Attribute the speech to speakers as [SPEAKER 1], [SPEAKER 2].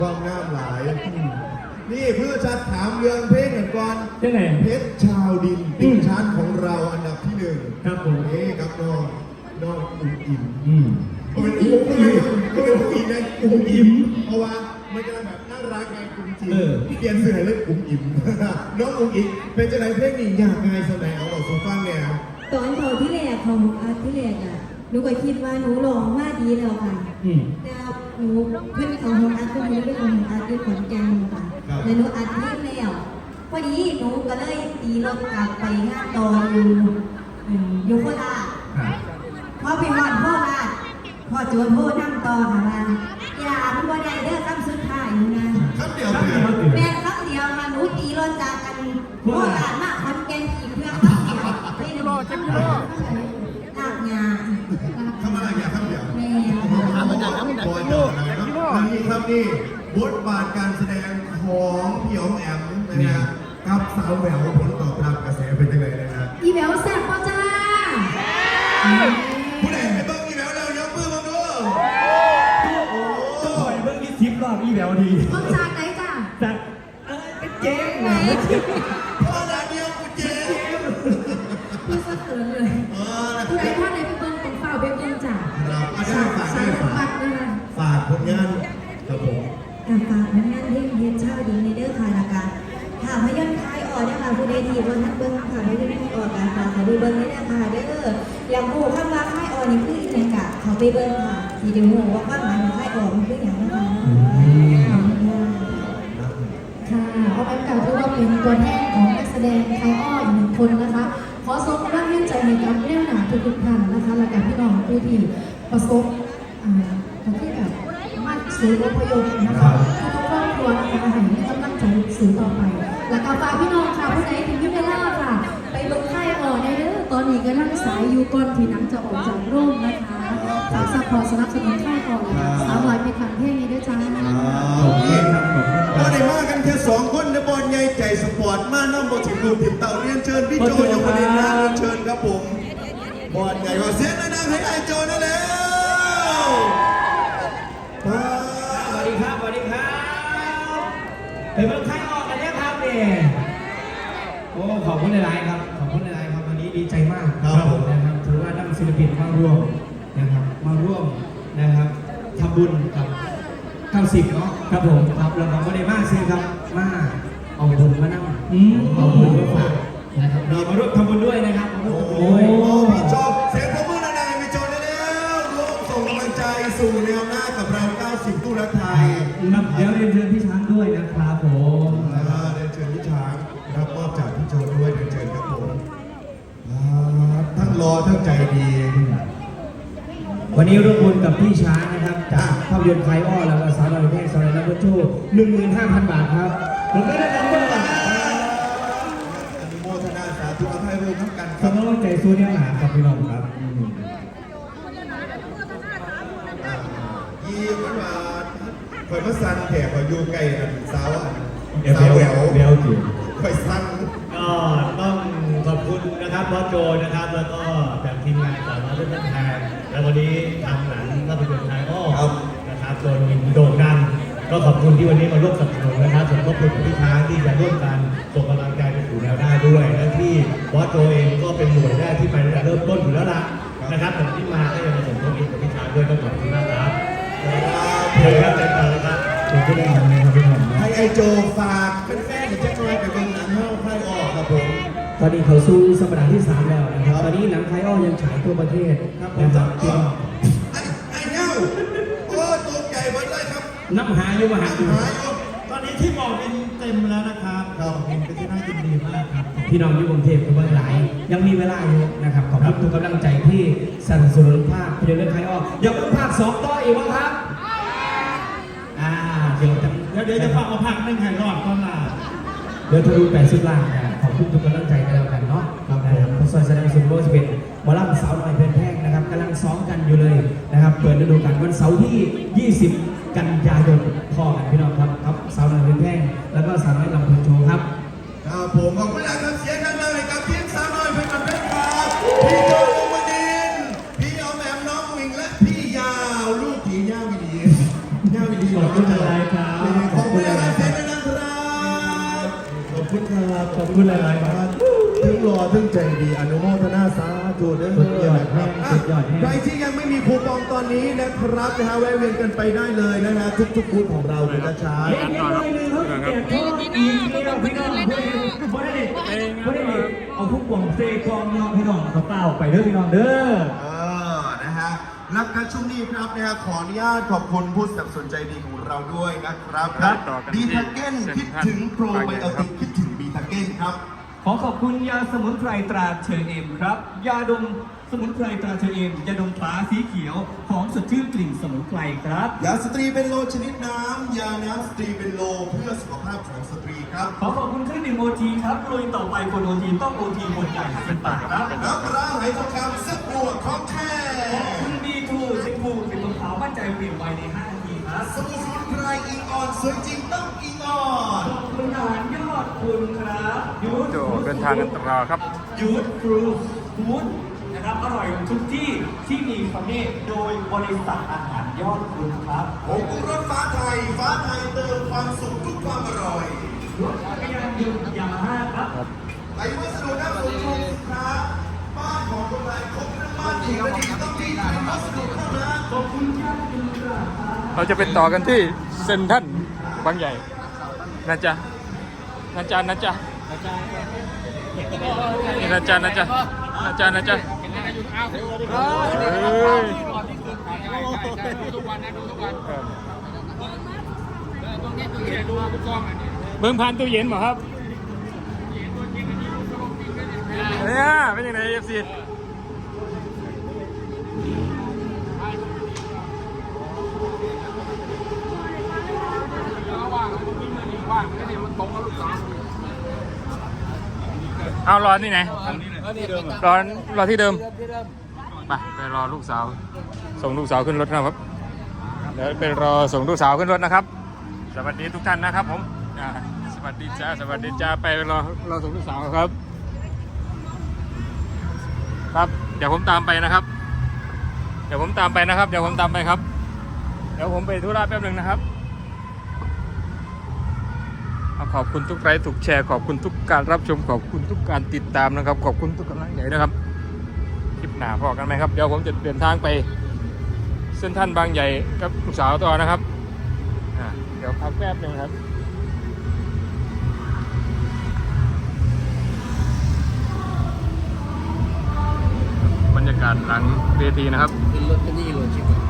[SPEAKER 1] ความงามหลายนี่เพื่อจะถามเรื่องเพลงกันก่อน
[SPEAKER 2] ยังไง
[SPEAKER 1] เพชรชาวดินติดชาร์ตของเราอันดับที่หนึ่ง
[SPEAKER 2] ครับผม
[SPEAKER 1] นี่ครับน้องอุ้มอิ่มก็เป็นนะอุ้มอิ่มเพราะว่ามันจะแบบน่ารักไงอุ้มจิ๋มเปลี่ยนเสื้อเลยอุ้มอิ่มน้องอุ้มอิ่มเป็นจะไหนเพลงนี้ยากไงสมัยเอาสู่ฟังเนี่ย
[SPEAKER 3] ตอนเขาที่แรกของอาร์ตที่แรกอ่ะหนูก็คิดว่าหนูร้องมาดีแล้วค่ะแต่หนูเพื่อนของอาร์ตเพื่อนหนูเป็นของอาร์ตที่ขอนแก่นค่ะแล้วหนูอัดเพลงแล้วพอดีหนูก็เลยตีรถกลับไปงานต่ออยู่โคราชพอไปหอดโคราชพอจวนโคนั่งต่อค่ะว่าอย่ามันบ่ได้เด้อคำสุดท้ายนะ
[SPEAKER 1] ครับเดียว
[SPEAKER 3] แม่คำเดียวค่ะหนูตีรถจากกันโคราชมาขอนแก่นอีกเพื่อคำเดียวไม่ได้ลากงา
[SPEAKER 1] เข้ามาอย่าครับเดียว
[SPEAKER 3] แม่
[SPEAKER 1] บอยต่อนะครับนี่ครับนี่บทบาทการแสดงของพี่อ๋อมแอมนะฮะกับสาวแหววผลตอบรับกระแสเป็นยังไงนะครับ
[SPEAKER 3] อีแหววแซ่บป่ะจ้า
[SPEAKER 1] ผู้ใดไปเบิ้งอีแหววเรายกมือมาดู
[SPEAKER 2] โอ้ปล่อยเบิ้งนี่ทิปรอบอีแหววดี
[SPEAKER 3] ต้นจากไหนจ้า
[SPEAKER 2] จากเป็นเจ๊งไหน
[SPEAKER 1] พ่อดาเดียวกูเจ๊
[SPEAKER 3] พี่สะเทือนเลยผู้ใดท่านไหนไปเบิ้งเป็นเฝ้าเบิ้งจ้า
[SPEAKER 1] ฝากผลงานครับผม
[SPEAKER 3] ฝากผลงานเพลงเฮ็ดชาวดีในเด้อค่ะละกันค่ะพยนต์คลายออกนะคะผู้ใดที่บนทักเบิ้งค่ะพยนต์คลายออกกันค่ะดูเบิ้งได้นะคะเด้ออยากรู้คำว่าคลายออกนี่คืออย่างไรกะเขาไปเบิ้งค่ะที่เดี๋ยวหัวว่าความหมายของคลายออกมันคืออย่างไรค่ะ
[SPEAKER 4] เอาไปกล่าวถือว่าเป็นตัวแทนของนักแสดงคลายอ้ออีกหนึ่งคนนะคะขอส่งกำลังใจให้กับเรื่องหนาทุกท่านนะคะและกับพี่น้องผู้ที่ประสบที่แบบมาสู่อพยพนะคะทุกครอบครัวนะคะให้กำลังใจสื่อต่อไปและกับฝากพี่น้องค่ะผู้ใดถึงยุคเวลาค่ะไปลงค่ายอ่อนในเด้อตอนนี้ก็นั่งสายอยู่ก่อนที่หนังจะออกจากโรงนะคะฝากซัพพอร์ตสนับสนุนค่ายอ่อนเลยสาวลอยไปขันเพลงนี้ด้วยจ้า
[SPEAKER 1] โอเคครับก็ได้มากันแค่2 คนในบอลใหญ่ใจสปอร์ตมาน้ำบอลถึงลูกถึงเต่าเรียนเชิญพี่โจยกประเด็นนะเรียนเชิญครับผมบอลใหญ่กว่าเสียงดังให้ไอโจนั่นแล้ว
[SPEAKER 2] สวัสดีครับสวัสดีครับไปเบิ่งค่ายออกกันเนี่ยครับเนี่ยโอ้ขอบคุณหลายๆครับขอบคุณหลายๆครับวันนี้ดีใจมาก
[SPEAKER 1] ครับผม
[SPEAKER 2] นะครับถือว่านักศิลปินมาร่วมนะครับมาร่วมนะครับทำบุญกับ90เนาะครับผมครับเราก็ได้มากซื้อครับมาเอาบุญมานั่งเอาบุญมาฝากนะครับเรามาร่วมทำบุญด้วยนะครับ
[SPEAKER 1] โอ้พี่โจเสียงปรบมือดังๆพี่โจได้แล้วร่วมส่งกำลังใจสู่แนวหน้ากับเรา90ตู้รักไทย
[SPEAKER 2] เดี๋ยวเรียนเชิญพี่ช้างด้วยนะครับผม
[SPEAKER 1] เรียนเชิญพี่ช้างรับมอบจากพี่โจด้วยเรียนเชิญครับผมทั้งรอทั้งใจดี
[SPEAKER 2] วันนี้ร่วมบุญกับพี่ช้างนะครับจากภาพยนตร์ไคอ้อแล้วก็สาวน้อยเพลงสาวน้อยนักบุญชู 15,000 บาทครับผมก็ได้รับเงินอ
[SPEAKER 1] นุโมทนาสาธุให้ร่วมทั้งกัน
[SPEAKER 2] สำหรับใจสู้เนี่ยหนาครับพี่น้องครับ
[SPEAKER 1] ยี่วันวานคอยมาสั่นแถบคอยอยู่ใกล้สาว
[SPEAKER 2] แหววจิ๋ว
[SPEAKER 1] คอยสั่น
[SPEAKER 2] ก็ต้องขอบคุณนะครับบอสโจนะครับแล้วก็จากทีมงานจากมาด้วยกันแทนแล้ววันนี้ทำหนังก็เป็นคนไทยก็นะครับโดนโด่งดังก็ขอบคุณที่วันนี้มาร่วมสนับสนุนนะครับส่วนขอบคุณพี่ช้างที่จะร่วมกันส่งกำลังใจไปสู่แนวหน้าด้วยและที่บอสโจเองก็เป็นหน่วยแรกที่ไปตั้งแต่เริ่มต้นอยู่แล้วล่ะนะครับแต่ที่มาก็ยังมาส่งทบอีกกับพี่ช้างด้วยก็ขอบคุณมากครับเพื่อนใจต่อเลยครับขอบคุณมากเลยครับพี่หนุ่ม
[SPEAKER 1] ให้ไอโจฝากแฟนๆจะช่วยไปเบิ่งหนังเข้าไพ่ออกครับผม
[SPEAKER 2] ตอนนี้เขาสู้สัปดาห์ที่3แล้วนะครับตอนนี้หนังไทยอ้อยังฉายทั่วประเทศ
[SPEAKER 1] นะครับไอ้เน่าโอ้ตัวใหญ่หมดเลยครับ
[SPEAKER 2] น้ำหายอยู่มหาอยู่
[SPEAKER 5] ตอนนี้ที่บอกเป็นเต็มแล้วนะครับเป็นที่น่ายินดีมากครับ
[SPEAKER 2] พี่น้องอยู่กรุงเทพกับเมืองหลายยังมีเวลาอยู่นะครับขอบคุณทุกกำลังใจที่สนับสนุนภาพยนตร์เรื่องไทยอ้ออยากเป็นภาค2ต่ออีกบ้างครับ
[SPEAKER 5] เดี๋ยวจะฝากมาพักนึงให้รอดก่อนล่ะ
[SPEAKER 2] เดี๋ยวทะลุ80 ล้านขอบคุณทุกกำลังใจกันแล้วกันเนาะนะครับพอซอยแสดงสุนโรสเป็นหมอลำสาวน้อยเพลินแพงนะครับกำลังซ้อมกันอยู่เลยนะครับเปิดฤดูกาลวันเสาร์ที่20 กันยายนพ่อกันพี่น้องครับสาวน้อยเพลินแพงแล้วก็สาวน้อยลำพูนโชว์ครับ
[SPEAKER 1] ผมขอบคุณนะครับเสียงดังเลยกับทีมสาวน้อยเพลินแพงครับพี่โจลุงมดินพี่เอาแหม่มน้องวิงและพี่ยาวลูกผีย่าวิดี
[SPEAKER 2] ขอบคุณอะไรครับบขอบคุณหลายๆครับ
[SPEAKER 1] ถึงรอถึงใจดีอนุโมทนาสาธุเด้อ
[SPEAKER 2] สุดยอดแม่สุดยอดแม่
[SPEAKER 1] ใครที่ยังไม่มีคูปองตอนนี้นะครับนะฮะแวะเวียนกันไปได้เลยนะฮะทุกบูธของเราเลยนะช้า
[SPEAKER 2] เย็นๆเลยนึงเขาแจกทอดอีกแล้วพี่น้องบ่ได้เอาทุกกล่องเซกองน้องพี่น้องเขาเปล่าไปเด้อพี่น้องเด้อ
[SPEAKER 1] นะฮะรับการช่วงนี้ครับนะฮะขออนุญาตขอบคุณผู้สนับสนุนใจดีของเราด้วยนะครับ
[SPEAKER 2] ครับ
[SPEAKER 1] บีทาเก้นคิดถึงโปรไบโอติกคิดถึงบีทาเก้นครับ
[SPEAKER 6] ขอขอบคุณยาสมุนไพรตราเชอเอมครับ ยาดมสมุนไพรตราเชอเอมยาดมฟ้าสีเขียวของสดชื่นกลิ่นสมุนไพรครับ
[SPEAKER 1] ยาสตรีเป็นโลชนิดน้ำ ยาน้ำสตรีเป็นโลเพื่อสุขภาพของสตรีครับ
[SPEAKER 6] ขอขอบคุณเครื่องดื่มโอทีครับลุยต่อไปคนโอทีต้องโอทีคนใหญ่10 บาทครับ
[SPEAKER 1] น้ำปลาไหลทองคำซึกบวกของแท้
[SPEAKER 6] ขอบคุณบีทูเซ็งบูเป็นรองเท้ามั่นใจเปลี่ยนไวใน5 นาทีครับ
[SPEAKER 1] สมุนไพรอิงออนสวยจริงต้องอิงออน
[SPEAKER 6] ขอบคุณอาหารยอดคุณครับยูท
[SPEAKER 7] โจเดินทางกันต่อครับ
[SPEAKER 6] ยูทฟรูฟู้ดนะครับอร่อยทุกที่ที่มีคำนี้โดยบริษัทอาหารยอดคุณครับ
[SPEAKER 1] ผงปรุงรสฟ้าไทยเติมความสุขทุกความอร่อย
[SPEAKER 6] รถจักรยานยนต์ยามาฮ่าครับ
[SPEAKER 1] ไหลวัสดุน้ำสมทรงสินค้าบ้านของคนไทยครบเรื่องบ้านที่ไม่ดีต้องมีไหลวัสดุเท่านั้น
[SPEAKER 6] ขอบคุณครับคุณครับ
[SPEAKER 7] เราจะไปต่อกันที่เซ็นทรัลบางใหญ่นะจ๊ะนะจ๊ะนะจ๊ะนี่นะจ๊ะนะจ๊ะนะจ๊ะนะจ๊ะเฮ้ยเบิ่งผ่านตู้เย็นเหรอครับเนี่ยเป็นยังไงเอฟซี เอารอที่ไหนรอที่เดิมไปรอลูกสาว ส่งลูกสาวขึ้นรถนะครับเดี๋ยวไปรอส่งลูกสาวขึ้นรถนะครับ สวัสดีทุกท่านนะครับผมสวัสดีจ้าไปรอส่งลูกสาวครับครับเดี๋ยวผมตามไปนะครับ เดี๋ยวผมตามไปครับเดี๋ยวผมไปธุระแป๊บหนึ่งนะครับขอบคุณทุกไลค์ทุกแชร์ขอบคุณทุกการรับชมขอบคุณทุกการติดตามนะครับขอบคุณทุกกำลังใจนะครับคลิปหน้าพอกันไหมครับเดี๋ยวผมจะเดินทางไปเส้นท่านบางใหญ่กับลูกสาวต่อนะครับเดี๋ยวพักแป๊บหนึ่งครับบรรยากาศหลังเวทีนะครับ
[SPEAKER 8] ขึ้นรถก็นี่รถชิบ